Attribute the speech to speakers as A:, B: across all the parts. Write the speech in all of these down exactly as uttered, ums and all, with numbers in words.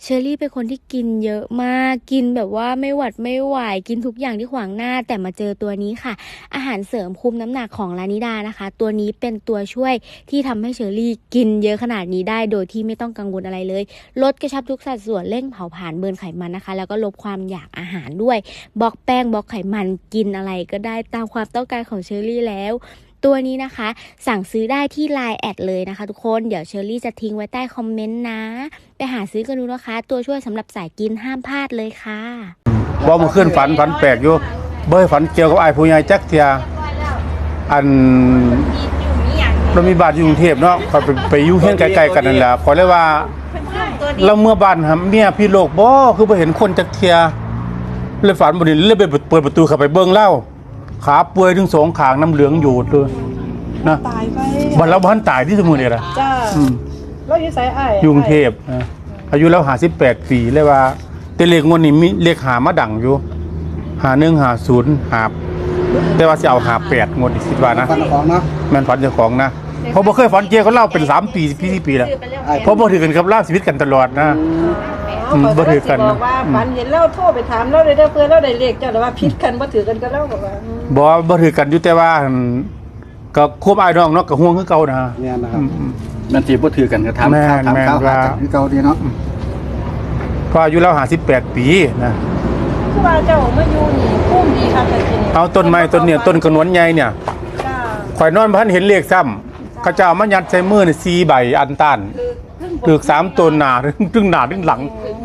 A: เชอรี่เป็นคนที่กินเยอะมากกินแบบว่าไม่หวัดไม่ไหวกินทุกอย่างที่ขวางหน้าแต่มาเจอตัวนี้ค่ะอาหารเสริมคุมน้ำหนักของลานิดานะคะตัวนี้เป็นตัวช่วยที่ทำให้เชอรี่กินเยอะขนาดนี้ได้โดยที่ไม่ต้องกังวลอะไรเลยลดกระชับทุกสัดส่วนเร่งเผาผลาญเบิร์นไขมันนะคะแล้วก็ลดความอยากอาหารด้วยบล็อกแป้งบล็อกไขมันกินอะไรก็ได้ตามความต้องการของเชอรี่แล้วตัวนี้นะคะสั่งซื้อได้ที่ ไลน์ แอดเลยนะคะทุกคนเดี๋ยวเชอรี่จะทิ้งไว้ใต้คอมเมนต์นะไปหาซื้อกันดูนะคะตัวช่วยสำหรับสายกินห้ามพลาดเลยค่ะ
B: ว่ามันขึ้นฝันฝันแปลกอยู่เบ้ยฝันเกี่ยวกับไอ้ผู้ใหญ่จักเทียอันเรามีบ้านอยู่กรุงเทพเนาะเขาไปไปอยู่เฮียนไกลๆกันนั่นแหละขอเลยว่าเราเมื่อบ้านครับเมียพี่โลกบ่คือไปเห็นคนจักเทียเลยฝันบ่นี่เลยไปเปิดประตูเข้าไปเบิ่งเล่าขาป่วยถึงสองข้างน้ำเหลืองอยู่เลยนะ
C: ตายไป
B: บัดเราบ่ทันตายที่สมุทรนี่ล่ะ
C: จ้าเราอยู่ไสอ้าย
B: อยู่กรุงเทพอายุแล้วห้าสิบแปดปีเลยว่าแต่เลขงวดนี้มีเลขหามาดังอยู่ห้าหนึ่ง ห้าศูนย์หาแต่ว่าสิเอาห้าแปดงวดนี้คิดว่านะฝันของนะแม่นฝันเจ้าของนะเพราะบ่เคยฝันเกี่ยวกับเล่าเป็นสามปีสี่ปีแล้วเพราะบ่ถือกันกับเล่าชีวิตกันตลอดนะบ่ถือกัน
C: บอกว่าฝันเห็นเล่าโทรไปถามเล่าได้เด้อเพื่อเล่าได้เลขเจ้าแต่ว่าผิดกันบ่ถือกันก็เล่าบอกว่า
B: บ่บ่ถือกันอยู่แต่ว่าก็ควบอ้ายน้องเนาะก็ห่วงคือเก่านะ
D: เนี่ยนะครับมันสิบ่ถือกันก็ถามถามข่าวหากันคือเก่าดีเนาะ
B: เพราะอายุเราห้าสิบแปดปีนะ
C: คือว่าเจ้ามาอยู่นี่ภูมิดีครับจริง
B: เอาต้นไม้ต้นเนี่ยต้นกระนวนใหญ่เนี่ยข่อยนอนบ่ทันเห็นเลขซ้ำเขาเจ้ามายัดใส่มือนี่สี่ใบอันต้านถูกสามต้นหน้าถึงหน้าถึงหลัง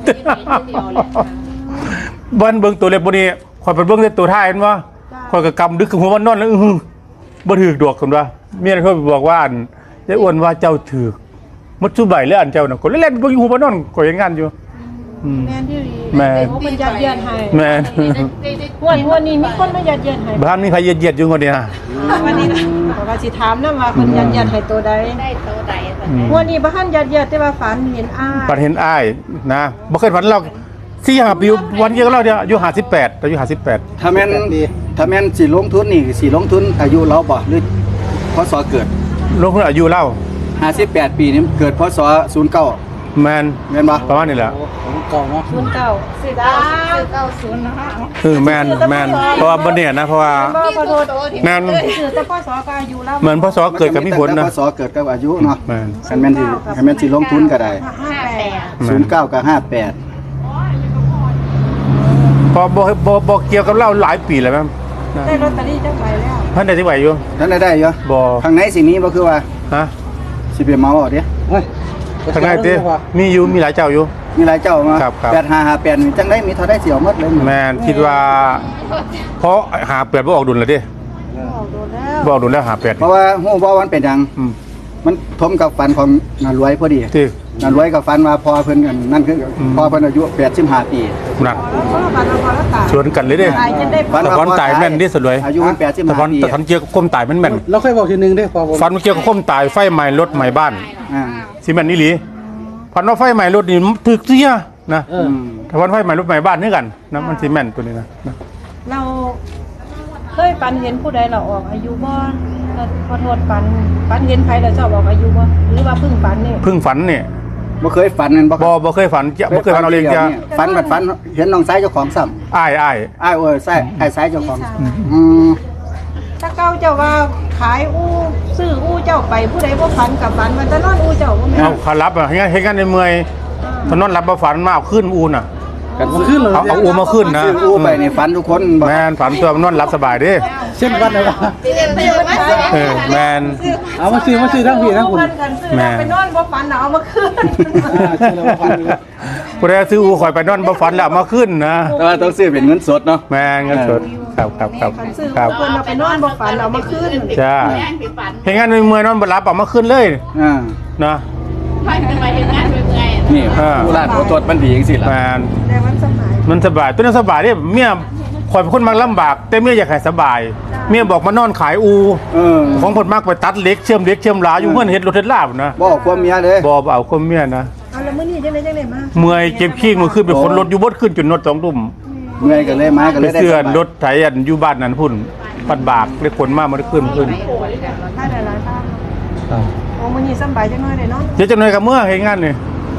B: บ้านเบิ่งตัวเล็กบ่นี่ข่อยไปเบิ่งแต่ตัวท้ายเห็นบ่ข่อยก็กำดึกหัวมันนอนแล้วอื้อบ่ถูกดอกกันว่าเมียเขาบอกว่าอันยายอ้วนว่าเจ้าถูกมัดซุใบแล้วอันเจ้าน่ะก็เล่นๆเบิ่งหัวมันนอนก็อย่างงั้นอยู่
C: แม่นที่
B: แม่
C: มันยัดเยียดให้
B: แม่
C: วันวันนี้มีคนมายัดเยียดให้
B: บ้านมีใครยัดเยียดอยู่คนเดียวนะ
C: วันนี้นะบอกว่าสิถามนำว่าเพิ่นยัดเยียดให้ตัวใดได้ตัวใดวันนี้บ่ทันยัดเยียดแต่ว่าฝันเห็นอ้าย
B: ฝันเห็นอ้ายนะบ่เคยฝันเราสี่ห้าปีวันเดียวกับเราเดียวอายุห้าสิบแปดอายุห้าสิบแปด
D: ถ้าแม่นถ้าแม่นสิลงทุนนี่สิลงทุนอายุเราบ่หรือพศเกิด
B: ลงทุนอายุเรา
D: ห้าสิบแปดปีนี่เกิดพศศูนย์เก้า
B: แม่น
D: แม่นบ่
B: ประมาณนี้แหละ
C: เก้าเนาะศูนย์เก้าสี่เก้าสี่เก้าศูนย์นะคะ
B: เออแม่นแม่นเพราะว่าบ่เนี่ยนะเพราะว่าแม่น
C: คือแต่พศก็อายุแล้ว
B: เหมือนพศเกิดกับมีผลนะ
D: พศเกิดกับอายุเนาะ
B: แม่น
D: คันแม่นสิคันแม่นสิลงทุนก็ได้ศูนย์เก้ากับห้าแปด
B: พอบ่บ่บ่เกี่ยวกับเราหลายปีแล้วแม่
C: ได้ลอตเตอรี่จังใบแล้ว
B: ท่านได้ที่ไหวอยู่
D: ท่านได้ได้อยู่
B: บ่
D: ข้างในสิมีบ่คือว่า
B: ฮะ
D: สิไปเมาเอาเด้เฮ้ย
B: ข้างในติมีอยู่มีหลายเจ้าอยู่
D: มีหลายเจ้ามาแปดห้าห้าแปดนี่จังได๋มีเท่าได้สิเอาหมดเลย
B: แม่นคิดว่าเพราะหาแปดบ่ออกดุลแล้วดิบ่ออกดุลแล้วหาแปด
D: เพราะว่าฮู้บ่ว่ามันเป็นหยังมันทมกับฝันของนารวยพอดี
B: ติ
D: นารวยกับฝันว่าพอเพิ่นกันนั่นคือพอเพิ่นอายุแปดสิบห้าปี
B: นั่นชวนกันเลยเด้ฝันว่าตายแม่นดิสวย
D: อายุแปดสิบห้าปี
B: แต่ฝันเกี่ยวกับความตายมันแม่น
D: เราเคยบอกทีนึงเด้พอ
B: ฝันเกี่ยวกับความตายไฟไหม้รถไหม้บ้าน
D: อ่า
B: สิแม่นอีหลีฝันว่าไฟไหม้รถนี่ถึกเสียนะถ้าฝันไฟไหม้รถไหม้บ้านนี่กันนะมันสิแม่นตัวนี้นะ
C: เราเคยฝันเห็นผู้ใดเราออกอายุบ่ขอโทษฝันฝันเห็นใครแล้วชอบออกอายุบ่หรือว่าเพิ่งฝันนี่
B: เพิ่งฝันนี่
D: บ่เคยฝันนั่นบ่
B: บ่บ่เคยฝันบ่เคยฝันเอาเรื่องจ้ะ
D: ฝันบัดฝันเห็นน้องชายเจ้าของซ้ำ
B: อ้ายอ้าย
D: อ้ายเอ้ยใช่อ้ายชายเจ้าของอืม
C: ถ้าเก่าเจ้าว่าขายอู่ซื้ออู่เจ้าไปผู้ใดบ่ฝันกับฝันมันจะนอนอู่เจ้าบ่แม่น
B: เอาเขารับอ่ะเฮ็ดเฮ็ดกันในเมื่อยถนนรับบ่ฝันมาเอาขึ้นอู่น่ะ
D: กันขึ้นเลย
B: เอาอู่มาขึ้นนะ
D: อู่ไปนี่ฝันทุกคน
B: แม่นฝันตัวมันนอนรับสบายดิ
D: เช่นวันไหนวะ
B: เออแม่น
D: เอามาซื้อมาซื้อทั้งพี่ทั้งคุณ
C: แม่ไปนอนบ่ฝันเอามาขึ้น
B: ผู้ใดซื้ออู่ข่อยไปนอนบ่ฝันแล้วเอามาขึ้นนะ
D: แต่ว่าต้องซื้อเป็นเงินสดเนาะ
B: แม่เงินสดครับครับครับ
C: ครับเพิ่นเอาไปนอนบ่ฝันเอามาขึ้น
B: จ้าเฮ็ดงานในเมื่อยนอนบ่หลับเอามาขึ้นเลย
D: อ่า
B: นะ
E: ไปไปเฮ็ดงานเมื่อย
D: นี่ผู้ร้านผู้ตรวจมันดีจังซี่ล่ะ
B: แม่น
C: แต่มันสบาย
B: มันสบายตัวนั้นสบายดิเมียข่อยเป็นคนมักลำบากแต่เมียอยากให้สบายเมียบอกมานอนขายอูของเพิ่นมักไปตัดเหล็กเชื่อมเหล็กเชื่อมหลาอยู่เฮือนเฮ็ดรถเฮ็ดลาบนะ
D: บ่ความเมียเด้
B: บ่เอาความเมียนะ
C: เอาแล้วมื้อนี้จังได๋จังได๋มา
B: เมื่อยเจ็บขี้มือขึ้นไปคนรถอยู่บดขึ้นจนนดสองทุ่ม
D: เมื่อยก็เลยมาก็เลยได้
B: เสื้อรถไถอันอยู่บ้านนั้นพุ่นปัดบากได้ขนมามันขึ้นขึ้น
C: ถ้าได้หลายทางโอ้มื้อนี้สบายจังน้อยได้เนาะ
B: เดี๋ยวจังหน่อยก็เมื่อเฮ็ดงานนี่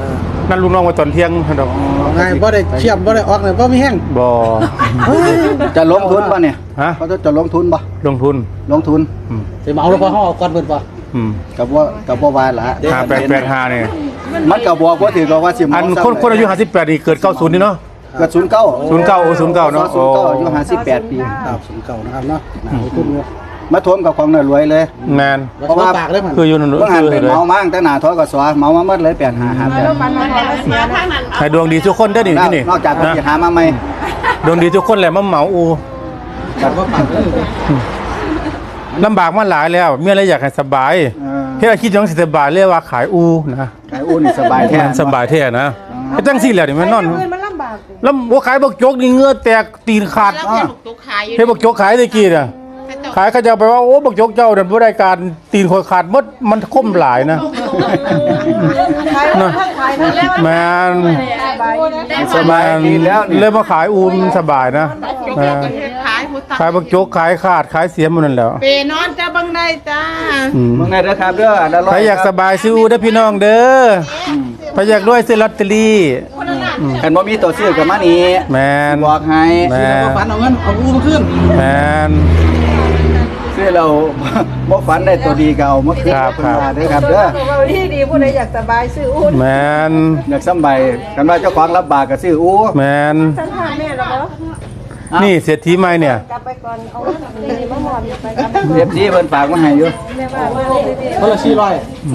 B: นั่นลูกน้องมาตอนเที่ยงดอก
F: ไงบ่ได้เชื่อมบ่ได้ออกเลยบ่มีแห้ง
B: บ่
D: จะลงทุนป่ะเนี่ย
B: ฮะ
D: เขาจะจะลงทุนป่ะ
B: ลงทุน
D: ลงทุน
B: อืม
F: สิมาเอาแล้วพอเฮาเอาก่อนเพิ่นบ่
B: อืม
D: กับว่ากับว่าวายละ
B: ห้าแปดแปดห้าเนี่ย
D: มันกับบอกว่าถือกับว่าสิ
B: อันคนคนอายุห้าสิบแปดนี่เกิดเก้าศูนย์นี่เนาะ
D: เกิดศูนย์เก้า
B: ศูนย์เก้าโอ้ศูนย์เก้าเนาะ
D: ศูนย์เก้าอายุห้าสิบแปดปี
F: ครับศูนย์เก้านะครับเนาะน่าลงทุนอยู่
D: มาทวมกับของหน่อยรวยเลย
B: แมน
F: เพราะว่าปากเลยมัน
B: คืออยู่นั่น
D: เมื่อหัน
B: คือ
D: ไป
B: เลย
D: เมามั่งแต่หนาท้อกับสวเมามาเมื่อเลยแปดหาหาแปด
C: แล้วปันมาพอแล้วเสีย
E: ทางนั้น
B: ให้ดวงดีทุกคนได้อนี่ที่นี่
D: นอกจากเรา
B: นะ
D: จะหามาไหม
B: ดวงดีทุกคนแหละมาเหมาอู
F: แต่ว่าปากเลย
B: ลำบากมาหลายแล้วเมียอะไรอยากให้สบายเฮ็ดอาชีพจังสิสบายเรียกว่าขายอูนะ
D: ไอ้อุ่นสบายแท้
B: มันสบายแท้นะเฮ็ดจังซี่แหละนี่มันนอน
C: เงินมันลำบากเลย
B: แล้วบ่ขายบักจกนี่เหงื่อแตกตีนขาด
E: แล้วเป็นตุกขายอยู่
B: เฮ็ดบักจกขายได้กี่น่ะขายเขาจะเอาไปว่าโอ้บักจกเจ้านั่นบ่ได้การตีนคอยขาดหมดมันคมหลายนะ
C: ขายทั้งขายทั้งแล้ว
B: แม่น
D: สบายดีแล้วนี่
B: เลยมาขายอูมสบายนะแม่น
E: ขายพุทธ
B: ขายบักจกขายขาดขายเสียหมดนั่นแหล้ว
E: เปนอนจะบังได้จ้า
B: อืม
D: เมื่อไงเด้อครับเด้ออันละร้อ
B: ใคร
D: ย
B: อยากสบายซื้ออูเด้อพี่น้องเด้อใครอยากรวยซื้อลอตเตอรี่
D: กันบ่มีตัวซื้อกับมานี่
B: แมน
D: บอกให้
B: แม
F: แล้ว
B: น
F: ก็ฝันเอาเงินเอาอูมาขึ้น
B: แมน
D: ซื้อเรา บ่ฝันได้ตัวดีเก่าเมื่อคืน
B: ครับครับ
D: เด้อครับเด้อ
C: บอกว่าที่ดีผู้ใดอยากสบายซื้ออุ้น
B: แมน
D: อยากสำบายกันว่าเจ้าของรับบากก็ซื้ออู้
B: แมน
C: ฉันถามแม่แล้วเหรอ
B: นี่เศรษฐีใหม่เนี่ย
C: กลับไปก่อนเอาเงินนี่มาหมอบไปกลับไป
D: เรียบซีเพิ่นฝากมาให้อยู่
C: แม่ว่าว่าดี
F: คนละสี่ร้อย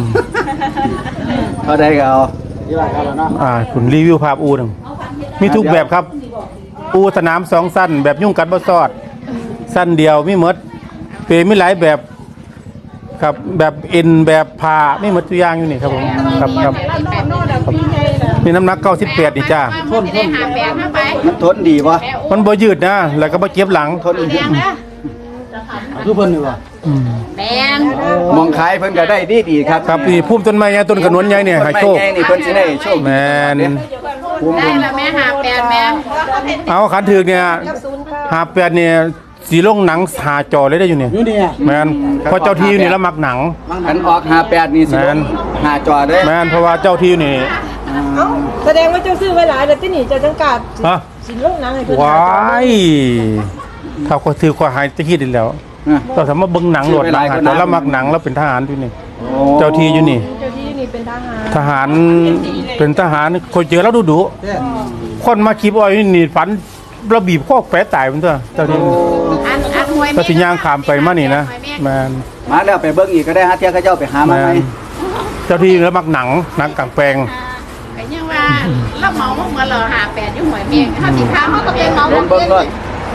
D: เท่าใดก็เอา
F: สี่ร้อยครับแล้วเนาะ
B: อ่าคุณรีวิวภาพอูหนึ่งมีทุกแบบครับ อูสนามสองสั้นแบบยุ่งกัดบ่ซอด สั้นเดียวมีหมดเปรมีหลายแบบครับแบบเอ็นแบบผ้าไม่หมดตัวอย่างอยู่นี่ครับผมครับครับมีน้ำหนักเก้าสิบแปดนี่จ้า
E: คนได้หาแปดมาไป
D: มันทนดีบ่
B: มันบ่ยืดนะ แล้วก็บ่เจ็บหลัง
D: ทน
E: แดงนะ
F: คือเพิ่นนี่ว่า
E: แดง
D: มองขายเพิ่นก็ได้ดีดีๆครับ
B: ครับนี่พุ่มต้นไม้ใหญ่ต้นกระนวนใหญ่เนี่ยให้
D: ไม่
B: โชค
D: ไงนี่เพิ่นสิได้โชค
B: แมน
D: ภูมิ
E: ได้ละแม่หาแปดแม่
B: เอาขันถือเนี่ยหาแปดเนี่ยสีลงหนังหาจอเลยได้อยู่เนี่ย
F: อยู่นี่
B: แมนเพราะเจ้าที่อยู่นี่แล้วมักหนัง
D: อันออกห้าแปดนี่สิลงหาจอเด้อ
B: แมนเพราะว่าเจ้าที่อยู่นี่
C: เอ้าแสดงว่าเจ้าซื้อไว้หลายแต่ที่นี่เจ้าจังกาด
B: ฮะ
C: สินลงหนังให้เพิ่น
B: ว้ายถ้าคนถือควาหายจะคิดอีกแล้ว
D: อ่ะ
B: เราสามารถเบิ่งหนังโหลดหนังหาจอแล้วมักหนังแล้วเป็นทหารอยู่นี่
D: โอ้
B: เจ้าที่อยู่นี่
C: เจ้าที่นี่เป็นทหาร
B: ทหารเป็นทหารคนเจอแล้วดุดุคนมาคีบอ้อยนี่ฝันระบีบข้อแปะตายมันตัวเจ้าที่
E: อันอันหวย
B: ก็สิย่างขามไปมานี่นะแมน
D: มาแล้วไปเบิ่งอีกก็ได้ฮะเที่ยเขาเจ้าไปหามา
B: แม
D: ไหม
B: นเจ้าที่แล้วมักหนังหนังกลางแปลง
E: ก็ยังว่าเราเมาเมื่อเราหาแปดอยู่หวยเมียงถ้าสิค้าเขาก็เป็นเมา
D: เบิ่งเบิ่งรถ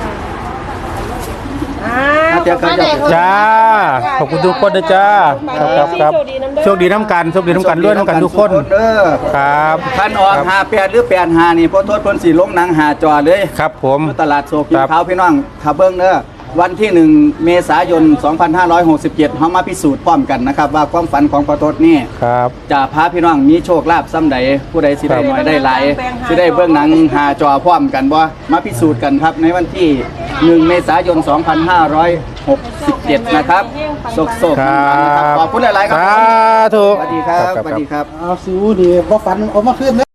C: อ่า
D: ฮะเที่ยเขาเจ้า
B: จ้าขอบคุณทุกคนนะจ้าครับครับครับโชคดีน้ำกันโชคดีน้ำกันด้วยน้ำกันทุกคน
D: เด้อ
B: ครับ
D: คันออกห้าแปดหรือแปดห้านี่พอโทษเพิ่นสิลงหนังหาจอเลย
B: ครับผม
D: อยู่ตลาดโซกิ
B: คน รับ
D: ขาวพี่น้องถ้าเบิ่งเด้อวันที่หนึ่งเมษายนสองพันห้าร้อยหกสิบเจ็ดเฮามาพิสูจน์พร้อมกันนะครับว่าความฝันของพอโทษนี่
B: ครับ
D: จะพาพี่น้องมีโชคลาภซ้ำใดผู้ใดสิได้น้อยได้หลายสิได้เบิ่งหนังหาจอพร้อมกันบ่มาพิสูจน์กันครับในวันที่หนึ่งเมษายนสองพันห้าร้อยหกสิบเจ็ดนะครับโศกๆ
B: ครั
D: นะครับ
B: บ
D: ขอบคุณหลายๆครั
B: สา
D: บ
B: ธุ
D: สวัสดีครับสวัสดีครับ
F: เอาสิอูนี่บ่ฝันเอามาขึ้น